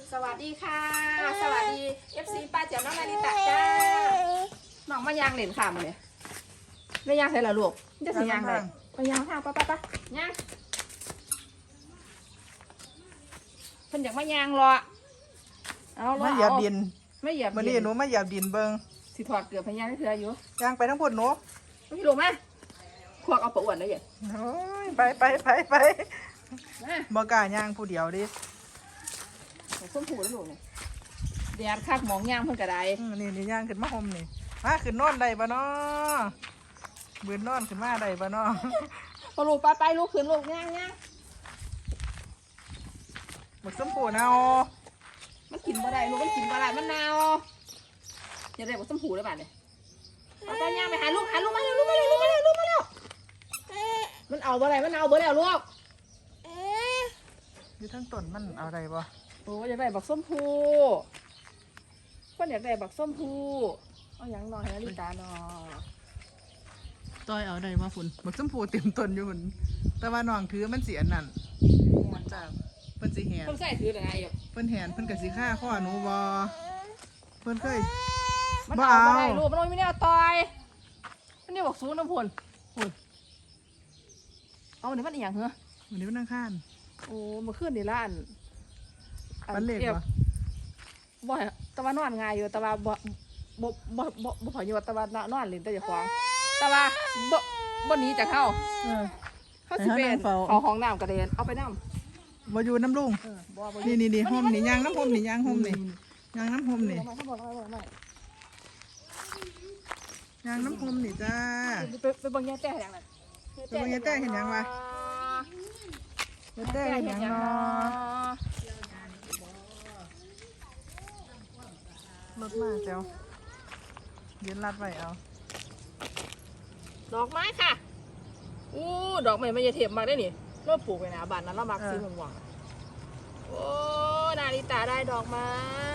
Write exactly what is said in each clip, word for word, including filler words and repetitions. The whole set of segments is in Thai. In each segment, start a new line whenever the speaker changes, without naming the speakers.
สวัสดีค่ะสวัสดี เอฟ ซี ป้าเจ๋วน้องนาริตะจ้าน้องมายางเหรียญค่ะมาเนี่ยไม่ยางใส่ละลูกจะสียางเลยไปยางข้าวป้าป้าป้ายางเพิ่นอยากมายางรอเอารอ
มาเหยียบดิน
ไม่เหยียบ
วันนี้หนูมาเหยียบดินเบิ้ง
สิถอดเกลือพยางให้เธออยู่
ยางไปทั้งพุ่นหนู
ไม่รู้ไหมพวกเอาปะอ้วนเลยอย่าง
โอ้ยไปไปไปไปบ่กล้ายางผู้เดียวดิ
ส้มผูแล้วลูกเนี่ยแดดคักหมองยางเพิ่นกระได
นี่นี่ยางขึ้นมาห่มนี่มาขึ้นนอนได้ปะเนาะบืนนอนขึ้นมาได้ปะเนาะ
พอลูกไปไปลูกขึ้นลูกย่างย่าง
หมดส้มผูเนา
มันกินบ่ได้ลูกมันกินบ่ได้มันนาวอย่าได้หมดส้มผูเลยบ้านเนี่ยเอาไปย่างไปหาลูกหาลูกมาเร็วลูกมาเร็วลูกมาเร็วลูกมาเร็วมันเอาบ่ได้มันเอาบ่แล้วลูก
อยู่ทั้งต้นมันเอาอะไรบ่
โอ้อยากได้บักส้มผูคนอยากได้บักส้มผูเอาอย่างนอนให้นาฬิกานอน
ต้อยเอาได้มาฝุ่นหมดส้มผูเต็มต้นอยู่ฝุ่นแต่ว่าน้องถือมันเสียนั่นมันจะเพิ่นสิแหน
เพิ่นใส่ถืออะไรอยู่
เพิ่นแหนเพิ่นกะสิฆ่าข้อหนูบ่เพิ่นเคย
มันเอาบ่ได้ลูกมันไม่ได้เอาต่อยมันนี่บอกซูน้ำพ่นพ่นเอาเดี๋ยวมันอีหยังเหรอ
วันนี้มันนั่งข้าน
โอ้เมื่อคืนนี่ล้าน
ปันเล็กวะ
บ่แต่ว่านอนง่ายอยู่แต่ว่าบ่บ่บ่บ่บ่พออยู่แต่ว่านอนเล่นแต่อย่าขวางแต่ว่าบ่บ่หนีจากเขาเขาสิเป็นเอาห้องน้ำกระเด็นเอาไปน้ำ
บ่อยู่น้ำลุงนี่นี่นี่ห่มนี่ยางน้ำห่มนี่ยางห่มนี่ยางน้ำห่มนี่ยางน้ำห่มนี่จ้า
ไปเบิ่งยาแต้เห็นยังไง
ไปเบิ่งยาแต้เห็นยังวะยาแต้เห็นยังเนาะรถมาเจ้ายืนรัดไว้เอา
ดอกไม้ค่ะอู้ดอกไม้ไม่ยาเทียมมากได้นี่เราปลูกไว้นะบ้านนั้นเรามักซื้อหวงโอ้นาริตาได้ดอกไม้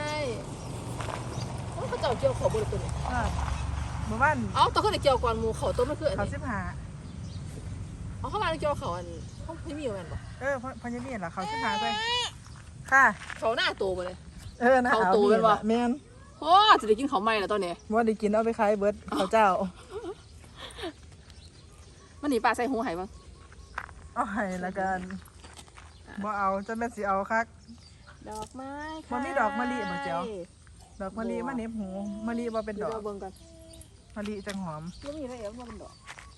โอ้เขาเจ้าเกี่ยวเขาบริสุทธิ์
หมู่บ้าน
อ๋อตัวเขาเกี่ยวก่อนหมูเขาต้นไม่คืออัน
นี้เขาสิบห้า
อ๋อเขามาเกี่ยวเขาอันเขาไม่มีเหมือนบ่
เออพญามีเหรอเขาสิบห้าไปค่ะ
เขาหน้าโตมาเลย
เออเขา
โตเป็นบ่
แมน
โอ้จะได้กินเขาไหมแล้วตอนนี้
ว่าได้กินเอาไปขายเบิร์ดเขาเจ้า
มันหนีปลาใส่หูหายบ้าง
เอาหายละกันบ่เอาจะแม่สิเอาคัก
ดอกไม้
ค่ะมันมีดอกมะลิบ่เจ้าดอกมะลิมันเน็บหูมะลิบ่เป็นดอกมะลิจังหอม
แล้วมีอะไรเอฟมาเป็นดอก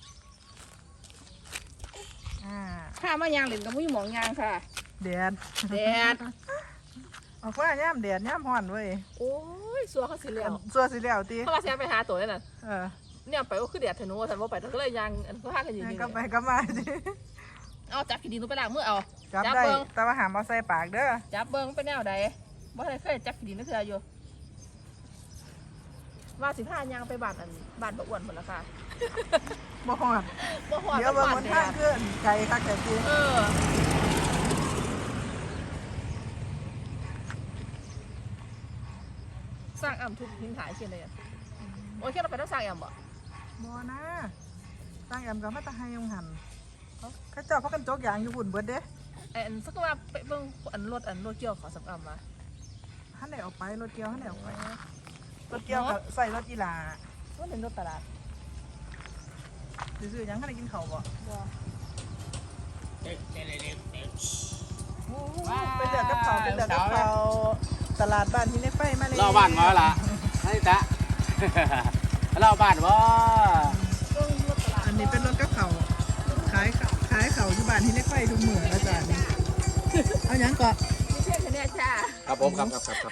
อ่า
ข้ามายางเหล่นกับมุ้ยหมองยางค่ะ
แดด
แดด
ออกว่าย่ามแดดย่ามห่อนเว้ย
โอ้ยสัวเขาสีเหลี่ยว
สัวสีเหลี่ยวตี
เขาว่าแซมไปหาตัวนี่น่ะ
เออ
เนี่ยไปก็คือแดดเถอะหนูฉันว่าไปแต่ก็เลยยางอันก็ห้ากันอยู่นี่
ก็ไปก็มาสิ
เอาจับขีดินนูไปล้างมือเอา
จับได้แต่ว่าหามเอาใส่ปากเด้อ
จับเบิ้งเป็นแนวใดบ่ได้เคยจับขีดินนั่นคืออยู่ว่าสิผ้ายางไปบ้านอันบ้านบะอ้วนหมดแล้วค่ะ
บ่หอด
บ่หอด
เดี๋ยวเบิ้งมันท่าขึ้นไก่คักแต่ตี
เออสร้างอ่ำทุกทิ้งขายเช่นไรอ่ะโอ้ยแค่เราไปต้องสร้างอ่ำบ่
บ่นะสร้างอ่ำก็มาตะไฮยงหันเขาเจ้าเขากันโจกยางอยู่บุ่นเบิดเด้
ไอ้อันสักว่าไปเบิ่งอันรถอันรถเกี่ยวขอสักอ่ำมา
ท่านไหนออกไปรถเกี่ยวท่านไหนออกไปรถเกี่ยวกับใส่รถอีหลา
ว่าเป็นรถตลาด
ซื้อยังท่านไหนกินข้าวบ่เป็นเดือดกับเขาเป็นเดือดกับเขาตลาดบ้านที่ในไฟมาเลย
เล่าบ้านมาละนี่จ๊ะเล่าบ้านว่า
อันนี้เป็นรถกับเขาขายขายเขาที่บ้านที่ในไฟทุกเมื่ออาจารย์เอาอย่างก่อน
มีเพื่อนคนนี้จ้า
ครับผมครับครับครับ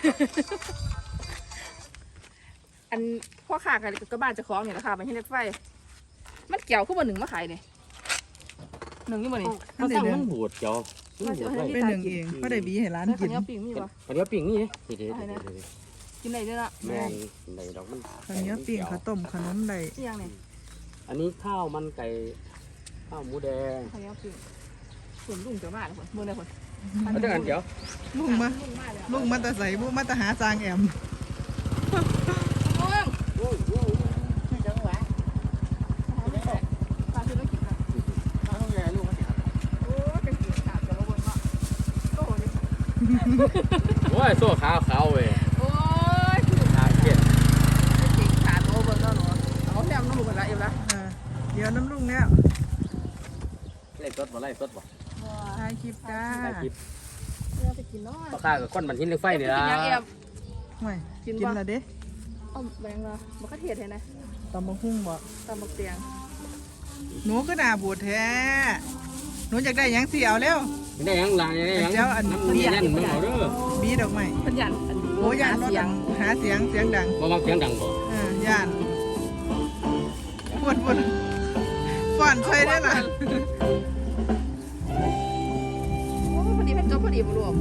อันพ่อค้ากันกับบ้านจะคล้องเนี่ยนะคะมันที่ในไฟมันเกี่ยวขึ้นมาหนึ่งมาขายเนี่ยหนึ่งนี่มันนี่
มันสั่งมันบูดเจ้า
เป็นหนึ่งเองก็ได้บีให้ร้านกิน
ข้าวเหนียวปิ่งมีปะ
ข้าวเหนียวปิ่งนี่เด็ด
กินอะไรด้วยล่ะ
แม่ในดอกมัน
ข้าวเหนียวปิ่งข้าวต้มขนมใด
ที่ยังเนี่ย
อันนี้ข้าวมันไก่ข้าวหมูแดง
ข้าวเหนียวปิ่งส่วนลุงจะมาเลยคนเมื่อไรคน
เอาเดี๋ยวกันเดี๋ยว
ลุงมาลุงมาตะใส่บุมาตะหาจางแอม
ลุงลุงไม่จังหวะปลาคือต้องกินนะ
ข้าวใหญ่ลุงมาสิครับ
โอ้เป็นสีขาดจะระวังเนาะโตเลย
โอ้ยโซ่ขาวขาวเว้ย
โอ้ย
ขาเกียด
จริงขาโตเบิ่งแล้วหนูเอาแนมน้ำลูกกันละเอ็มละ
เออเดี๋ยวน้ำลุงแล้ว
ไล่สดบ่ไล่สดบ่
ถ่ายคลิปจ้า
ไล่คลิป
เนี่ยไปกินน้อย
ปลาข้ากับก้อนมันหินเหล็กไฟนี่
กิ
ล่ะ
นยังเอ็ม
ห่วย
กินบ่
กินละเด้
เอาแบงค์ละมันก็เทียดเห็นไหม
ตำบักหุ่งบ่
ตามบักเตียง
หนูก็น่าบูดแท้หนูอยากได้หยังสิเอาเร็ว
ได้ยังล่ะได้ยัง
เจ้าอัน
น้ำนี่นั่นมันเอาเด้อ
บีดอกไม้
เพันยันอัน
โอ้ยานรถ
เสีย
ดั
ง
งหาเสียงเสียงดัง
บ่มักเสียงดังบ่
เออย่านปวดปวดฟ่อนใส่ได้ล่ะ
โอ้พอดีเป็นจบพอดีบุรุษ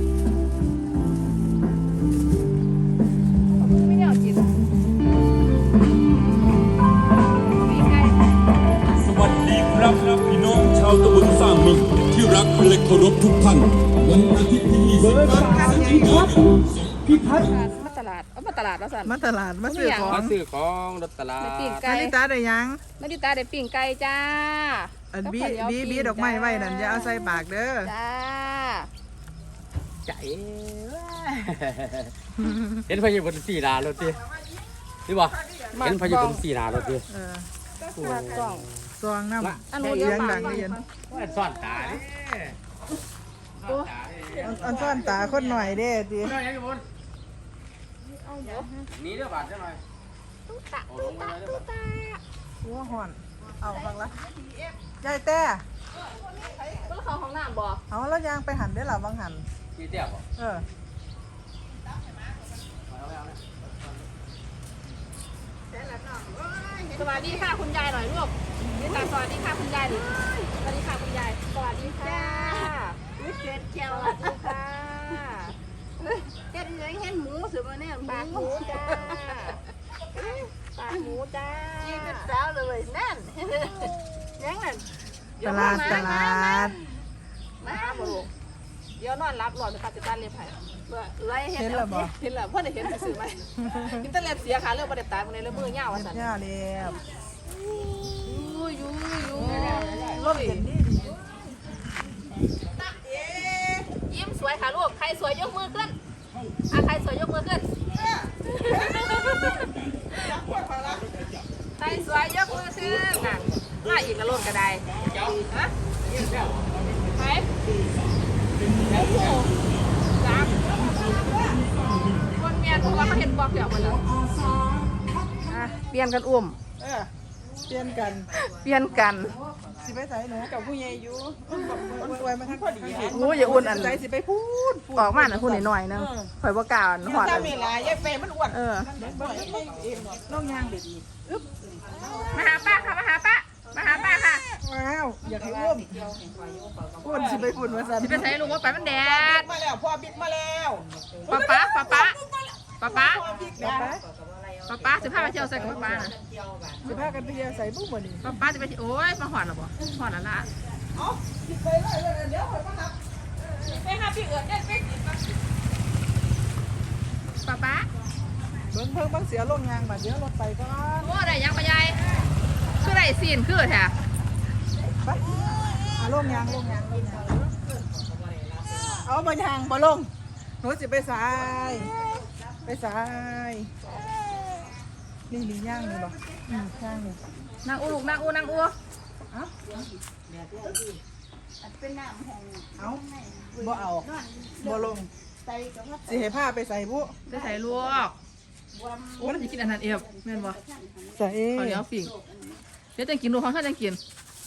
ไม่ได้เอากินมีไก่
สวัสดีครับพี่น้องชาวตำบลสร้างมิงที่รักและเคารพทุกท่านวันอาทิตย์ที่ยี่สิบแปดพฤศจิกายนพิพัฒน์
มาตลาดเอามาตลาดแล้วสัน
มาตลาดมาซื้อขอ
มาง ซื้อของรถตลาด
ไปปิ้ง
นา
ไก่
ฬิตาได้หยัง
นาดิตาได้ปิ้งไก่จ้า
อัน
กับ
บี
ข้าวเหนียว
บีบี
ปิ้ง
ดอกไม้
จ้า
ไว้นั่นอย่าเอาใส่ปากเด้อ
จ้า
ใจเห็นพญาบนสีนารถดินี่บ่เห็นพญาบนสีนารถดิ
เออ
มากกล่อง
ซองน้ำ
อันนู้น
เสี
เย
ย
อะ
ง
มา
ดั
ก
งได้ยิน
ว่าซ่อนตาดิ
โอ้
อันอันซ่อนตาคนหน่อยเด้ติ
น้อยยังอยู่บน
เอาเดี๋ยว
นี่เด้อบาดจังหน่อย
ตุ๊ตาตุ๊ตาตุ๊ตา
หัวห่อนเอาฟังละยายแต่
เพิ่งเข้าห้องน้ำบ่
เอาแล้วยางไปหันได้หรอบางหัน
กี่เตี้ยบ่
เออ
สวัสดีค่ะคุณยายหน่อยลูกนี่ตาสวัสดีค่ะคุณยายดิสวัสดีค่ะคุณยายสวัสดีค่ะวิเศษเจียวสวัสดีค่ะ
เฮ็ดยังเห็นหมูสิมาเนี่ย
ปากหมูจ้าปากหมูจ้า
กินเป็นสาวเลยนั่นยังนั่น
ตลาดตลาด
มาบ่ลูกเดี๋ยวนอนรับหลอดนะคะจะต้านเรียบไผ่
ไรเฮ็ด
เห็นแล้วบ่
เห็นแล้วพ่อได้เห็นสื่อไหมอินเทอร์เน็ตเสียค่ะเรื่องประเด็นตายมันเลยเรื่องมือเงาว่ะสัน
ย่าเรียบ
ยูยูยู
รถเห็นนี่
ยิ้มสวยค่ะลูกใครสวยยกมือขึ้นอ่ะใครสวยยกมือขึ้นใครสวยยกมือขึ้นน่ะมาอีกกระโลดกระไดฮะใครโอ้โหจับคนเมียนเพราะว่าเขาเห็นบอกเดี๋ยวมาแล้วอ่ะเปลี่ยนกันอุ้ม
เออเปลี่ยนกัน
เปลี่ยนกัน
สิไปใส่หนูกับผู้ใหญ่อยู่คนรวยมาทั้งพอดี
โอ้ยอย่าอ้วนอัน
ใจสิไปพูดพูด
ออกมาหน่อยพูดหน่อยๆนึงข่อยบ่กล้าอันหอด
ถ้า
อัน
เวลายายเฟมันอ้วน
เออ
น้องยางเด็ด
มาหาป้าค่ะมาหาป้ามาหาป้าค่ะ
ว้าวอยากให้อ้วมอ้วนสิไปพูดมาสั่น
สิเป็นไสลุงว่าไปมันแดด
มาแล้วพ่อบิ๊กมาแล้ว
ป้าป้าป้าป้าป้าป้า
เดี๋ยวไป
ป้าป้าสิพาไปเที่ยวใส่กับป้าป้าน่ะ
สิพากันไปเที่ยวใส่บุ้งบ่นี่
ป้าป้าจะไปที่โอ้ยมาหอดหรอบ่หอดแล้วล่ะ
เอาไปเลยเดี๋ยวคอยมารับ
ไปหาพี่เอิญเด็ดไปป้าป้า
เบิ่งเพิ่งบางเสียลงยางบัดเดี๋ยวรถไปก่อน
โอ้ได้ยังปะยายคือได้ซีนคือแท้
ไปเอาลงยางลงยางลงยางเอาบ่ยางบ่ลงหนูสิไปสายไปสายนี่นี่ย่างนี่บ่อืมย่างนี่
นางอูลูกนางอูนางอู
เอา
เป็นน้ำห้อง
เอาบ่เอาบ่ลง
ใส่กับว่า
สิให้ผ้าไปใส่บุ
จะใส่ลวกโอ้เราจะกินอันนั้นเอฟแม่นบ่
ใส่
ข้าวเหนียวฝิ่งเดี๋ยวจะกินดูของข้าจะกิน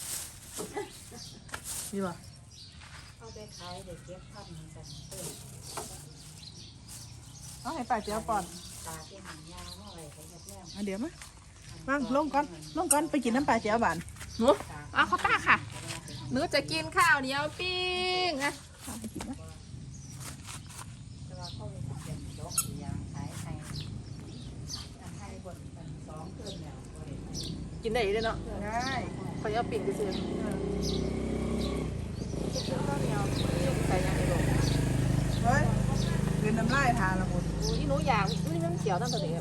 นี่บ่
เอาไปขายเดี๋ยวเก็บพันกัน
เอาให้ป้าเจียวป่อน
ตาเป็นหางยาวเมื่อไหร่เขาจะแม่
เอาเดี๋ยวมาว่างลงก่อนลงก่อนไปกินน้ำปลาเจียวบาน
หนูเอาข้าวตาค่ะหนูจะกินข้าวเหนียวปิ้งอะเอาไปกินนะ
แต่ว่าเขาเลยเปลี่ยนยกยางขายให้ให้บนสองคืนแล้ว
กินได้อยู่ด้วยเนาะ
ได้
ข้าวเหนียวปิ้งก็ซื้อข้าวเหนียวปิ้งใส่ยังไงลูก
เฮ้ยกินน้ำลายทานละมุน
อุ้ยหนูอยากนี่มันเขียวตั้งแต่เด็ก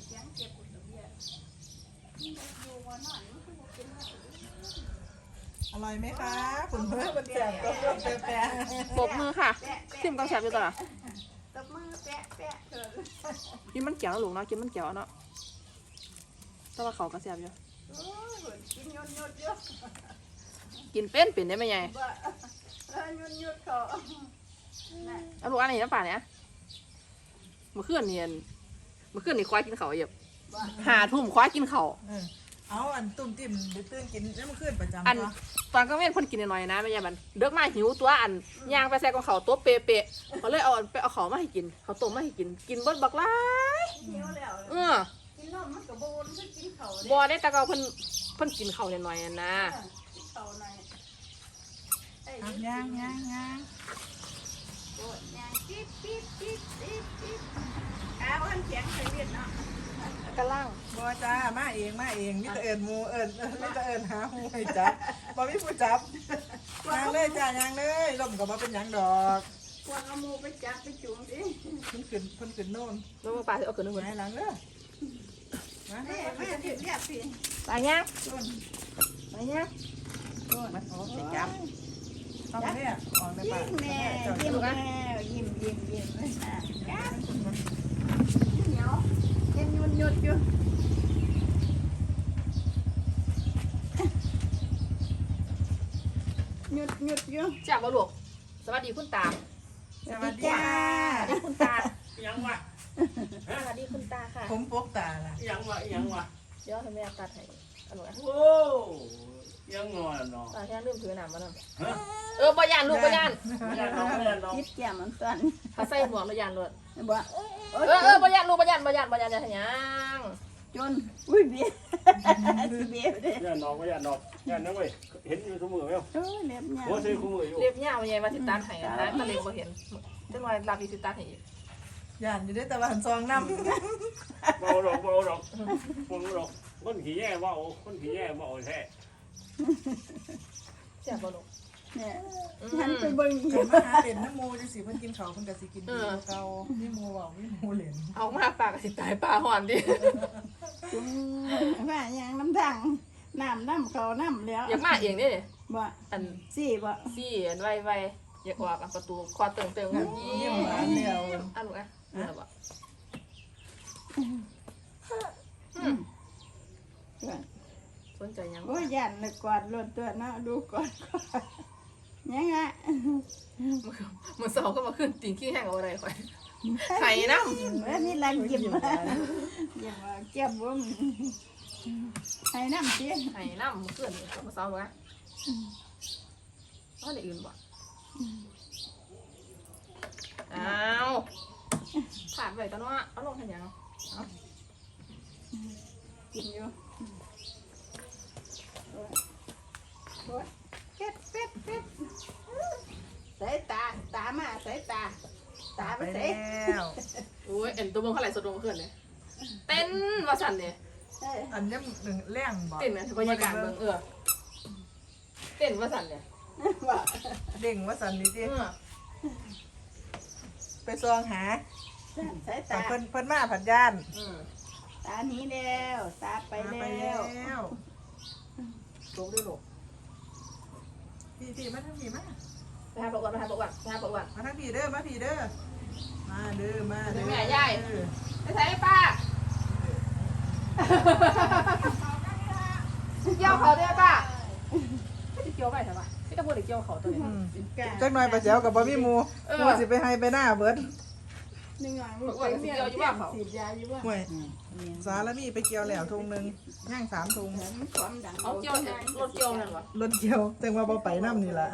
เร่อยไหมคะคุณเพื่อนมันแสบก็ร่วมแปะ
ปรบมือค่ะซิมก็แซ่บอยู่ตลอด
ตบมือแปะแปะเถิด
กินมันเกี่ยวนะลูกเนาะกินมันเกี่ยวเนาะแต่ว่าเขาก็แซ่บอยู่
โอ้ยกินยดยดเยอะ
กินเป็นเป็นได้ไหมยาย
บ่เออยดยดเขาน่ะ
เอาลูกอันนี้น้ำปลาเนี่ยเมื่อคืนเนียนเมื่อคืนนี่ควายกินเขาวเหยียบ
บ่
หาทุ่มควายกินเขาว
เออเอาอันตุ่มติ่มไปตื่นกินแล้วมันขึ้นประจำ
อัน
ตัว
ตอนกลางเว้นเพ่นกินหน่อยๆนะแม่ยายบันเด็กมาหิวตัวอันย่างไปแซ่กับเขาวตัวเปะๆเขาเลยเอาอันไปเอาเขาวมาให้กินเขาวต้มมาให้กินกินเบดบักหลาย
หิวแล้ว
เออ
กินนมมันก็บ่วนคือกินเขาเด้
บ่ได้แต่ก็เพิ่นเพิ่นกินเขาวหน่อยๆอะนะ
กินเขาหน่อยไอ้
อ่ะ
นี่
ย่างย่างย่าง
โอ้ยย่างปิ๊บปิ๊บปิ๊บปิ๊บปิ๊บอ้าวมันแข็งใส่เวียดเนาะ
กระล่าง
บัวจ้ามาเองมาเองนี่จะเอิญมูเอิญนี่จะเอิญหาหูให้จับบ่มีผู้จับย่างเลยจ้าย่างเลยลมก็บ่เป็นหยังดอก
พวกเอาหมูไปจับไปจุ่มสิ
เพิ่นขึ้นเพิ่นขึ้นโน่น
แล้วมึงปลาสิเอาขึ้นนึง
ไห
เพิ่น
นหลังเด้อมา
แม่แม่ที่เรียกพี่
ปลาย่าง
ต้น
ปลาย่าง
ต้นมาโอ้ไปจับต้องเนี่ยออกในปาก
ยิ้มแม่ยิ้มแม่ยิ้มยิ้มยิ้มเลยนะจับเหนียวเย็นยุ่นยุดอยู่หยุดหยุดอยู่
จ้าบ่ลูกสวัสดีคุณตา
สวัสดี
จ้า
สวัสดีคุณตา
ยังวะ
สวัสดีคุณตาค่ะ
ผมปกตาล่ะ
ยังวะยังวะ
เดี๋ยวให้แม่ตัดให้อันนู้น
โอ้ยังงอเนาะ
ตาแค่ลืมถือหนามมาหน่อย
ฮะ
เออบ่ยานลูกบ่ยาน
ไม่ได้น้องไม่ได้น้อง
คิดแก้มมันสั่น
ถ้าใส่หมวกบ่ยานเลย
บ่
เออเออบ่ยานลูกบ่ยานบ่ยานบ่ยานจะหยัง
จนอุ้ยเบี้ยเบี้ยเด้
ไม่ได้น้องไม่ได้น้องยันนะเว้ยเห็นอยู่ทุกมือไหม
โอ้ยเล็บยาว
หัวซื้อคู่มืออยู่
เรียบยาวใหญ่ว่าสิตัดให้นะถ้าเร็วบ่เห็นจังหน่อยรับอีกสิตัดให้อีก
ย่านอยู่ได้แต่ว่าหันซองน้ำ
เบาดอกเบาดอกเบาดอกคนขี้แย่เบาคนขี้แย่เบาแท้
เสียบ่ลูก
เนี่ย
อื
ฉัน
ม
ไปเบิ่ง
เห็นมาหาเล่นน้ำมูจังสิเพิ่นกินข้าวเพิ่นก็สิกินดีกว่าเก่านี่มูเว้านี่มูเล่น
เอามาปากก็สิตายปลาหอนดิ
จุ่มว่าอย่างน้ำทางน้ำน้ำเขาน้ำแล้ว
อยากมาเองเด้
บ่
อัน
สี่บ่
ซี่อันไวๆอยากออกอันประตูคอเติงเติงกัน
เยี่ยมหวานแล้ว
อันลูกอ่ะนี่ล่ะบ่ สนใจยัง
โอ้ยยันเลยกอดรถตัวเนาะดูก่อนก่อนยังไง
มันเสาก็มาขึ้นติ่งขี้แห้งเอาอะไรค่อยไข่น้
เอ้ยนี่ลันยิ้มมายิ้มมาเก็บบ่มให้น้ำสิ
ำไข่น้ำมันขึ้นมันเสาเหรอเอาได้อื่นบ่อ้าวขาดไปตอนว่าเอาลงทันยังเอา
กินอยู่โอ้ยเป็ดเป็ดเป็ดสายตาตามาสายตาตาไป
ไป
ใส่
แล้ว
โอ้ยเอ็นตัวมึงเท่าไหร่สดลงขึ้นเลยเต้นว่าสั่นเนี่ย
เอ้ย
อันนี้หนึ่งแรงบ่
เต้นนะบรรยากาศเมืองเออเต้นว่าสั่นเนี่ย
ว่า
เด้งว่าสันนี่
เอ
ติ
อ
ไปซองหา
สาย
แต่
ตา
เพิ่นเพิ่นมาผัดย่าน
อืม
ตาหนี้แล้วตาไป
มา
แล้
ไปแล้ว ว
ลงด้วยลูก
พี่พี่มาทางพี่มา
ไปหาประวัติไปหาประวัติไปหาประวัติ
มาทางพี่เด้อมาพี่เด้อมาเด้อมาเด้อ
แม่ยาย
เออ
ไปใส่ป้าเกี่ยวเขาด้วยป้าไม่ได้เกี่ยวไปใช่ปะไม่ต้องพูดถึงเกี่ยวเขาตัวนี้
อืม
กา
จักหน่อยปลาแจ๋วกับบ่มีหมู
เออ
หมูสิไปให้ไปหน้าเบิด
หนึ่งหน่อย
บอกว่าสิเกี่ยวอยู่ว่าเขา
สีดยาอยู่ว่า
ห่วยสารมีไปเกี่ยวแล้วทุงหนึงย่างสามทุง
เหมือนความดัง
เอาเกี่ยวรถเกี่ยวนั่นวะ
รถเกี่ยวจังว่าบ่ไปน้ำนี่ล่ะ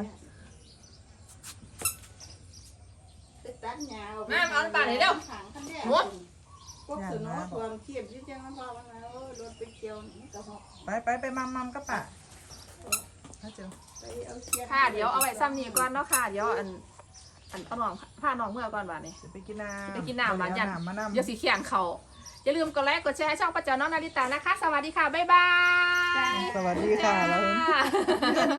ไปตัดหญ้า
แม่มาเอาป่าไหนเร็ว
ขังคันแรก
หมด
พวกสนอความเทียบอยิ่งจังน้ำพอมันแล้วรถไปเกี่ยวนี่ก็หอก
ไปไปไปมัมมัมกับป่ะถ้าเจอ
ไปเอาเทียบ
ค่ะเดี๋ยวเอาไว้ซ้ำนี่ก่อนเนาะค่ะเดี๋ยวอันอันเอาน้องผ้าน้องเมื่อก่อนบาดนี้
สิไปกินน้ำ
ไปกินน้ำมา
เอ
จัน
น้ำมานำ
เดี๋ยวสีเขียงเขาอย่าลืมกดไลค์กดแชร์ให้ช่องป้าเจ้าน้องนาริตานะคะ สวัสดีค่ะ บ๊ายบาย
สวัสดีค่ะแล้ว
จ้า